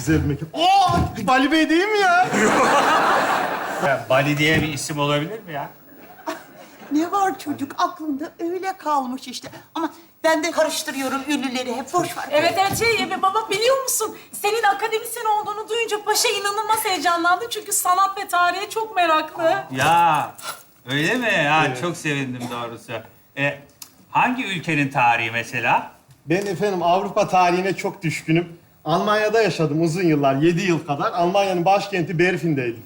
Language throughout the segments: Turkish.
güzel bir mekan. Aa, Bali Bey değil mi ya? Ya, Bali diye bir isim olabilir mi ya? Ne var çocuk aklında öyle kalmış işte. Ama ben de karıştırıyorum ünlüleri hep boş ver. Evet baba biliyor musun? Senin akademisyen olduğunu duyunca paşa inanılmaz heyecanlandı. Çünkü sanat ve tarihe çok meraklı. Ya öyle mi? Ya çok sevindim doğrusu. Hangi ülkenin tarihi mesela? Ben efendim Avrupa tarihine çok düşkünüm. Almanya'da yaşadım uzun yıllar, 7 yıl kadar. Almanya'nın başkenti Berlin'deydim.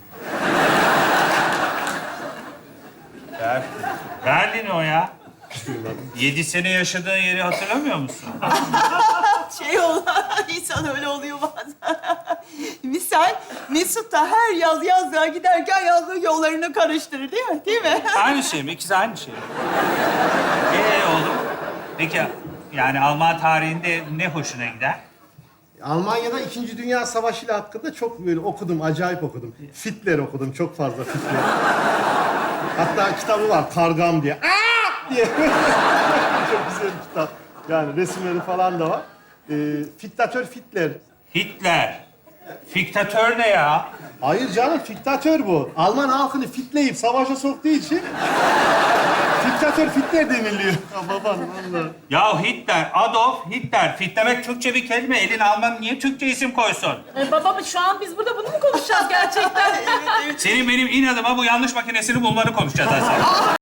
Berlin o ya. 7 sene yaşadığın yeri hatırlamıyor musun? Şey oldu, insan öyle oluyor bazen. Misal Mesut da her yaz yazlığa giderken yazlık yollarını karıştırır değil mi? Değil mi? Aynı şey mi? İkisi aynı şey mi? Oğlum. Peki yani Alman tarihinde ne hoşuna gider? Almanya'da İkinci Dünya Savaşı ile hakkında çok böyle okudum, acayip okudum. Hitler okudum, çok fazla Hitler. Hatta kitabı var, Kargam diye. Aa! diye. Çok güzel bir kitap. Yani resimleri falan da var. Diktatör Hitler. Hitler. Fiktatör ne ya? Hayır canım, diktatör bu. Alman halkını fitleyip savaşa soktuğu için diktatör Hitler deniliyor. Ya baban vallahi. Ya Hitler, Adolf Hitler. Fitlemek Türkçe bir kelime. Elin Alman niye Türkçe isim koysun? Baba şu an biz burada bunu mu konuşacağız gerçekten? Senin benim inadıma bu yanlış makinesini bulmanı konuşacağız aslında.